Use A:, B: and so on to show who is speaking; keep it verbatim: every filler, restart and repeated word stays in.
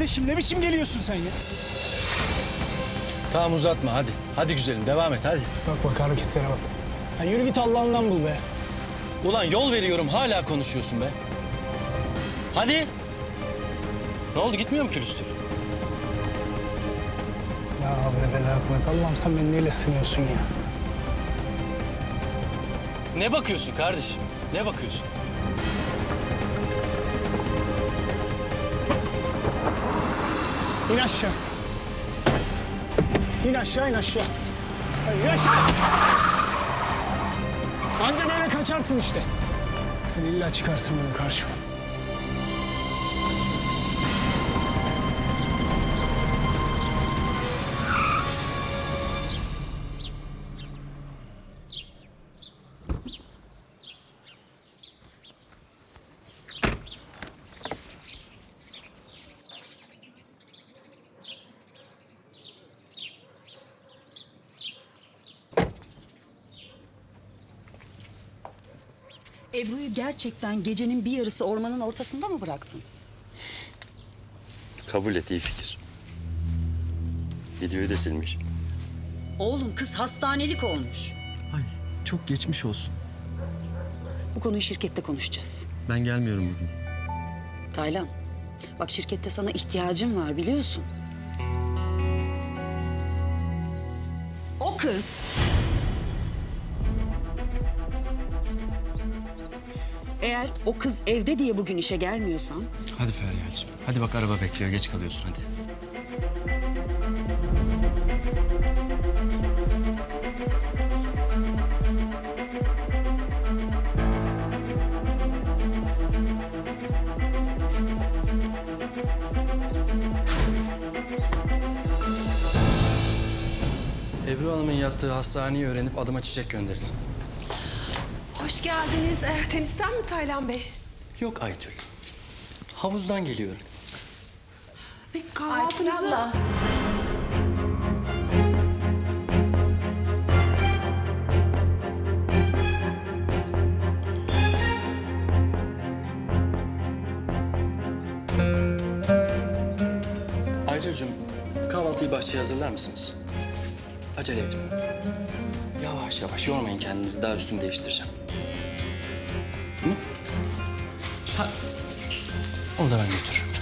A: kardeşim ne biçim geliyorsun sen ya?
B: Tamam uzatma hadi. Hadi güzelim devam et hadi.
A: Bak bak hareketlere bak. Ya yürü git Allah'ından bul be.
B: Ulan yol veriyorum hala konuşuyorsun be. Hadi. Ne oldu gitmiyor mu külüstür?
A: Ya havle ve la kuvvet. Allah'ım sen beni neyle sınıyorsun ya?
B: Ne bakıyorsun kardeşim? Ne bakıyorsun?
A: İn aşağı. İn aşağı, in aşağı. Hayır, in aşağı. Anca böyle kaçarsın işte. Sen illa çıkarsın benim karşıma.
C: Ebru'yu gerçekten gecenin bir yarısı ormanın ortasında mı bıraktın?
D: Kabul et, iyi fikir. Videoyu da silmiş.
C: Oğlum kız hastanelik olmuş.
D: Ay çok geçmiş olsun.
C: Bu konuyu şirkette konuşacağız.
D: Ben gelmiyorum bugün.
C: Taylan, bak şirkette sana ihtiyacım var biliyorsun. O kız... Eğer o kız evde diye bugün işe gelmiyorsam...
D: Hadi Feryal'cığım. Hadi bak araba bekliyor, geç kalıyorsun hadi. Ebru Hanım'ın yattığı hastaneyi öğrenip adıma çiçek gönderdim.
E: Hoş geldiniz. Ee, tenisten mi Taylan Bey?
D: Yok Aytül. Havuzdan geliyorum.
E: Bir kahvaltınızı...
D: Aytül'cüm, kahvaltıyı bahçeye hazırlar mısınız? Acele etmeyin. Yavaş yavaş yormayın kendinizi, daha üstümü değiştireceğim. Hı? Ha. Onu da ben götürürüm.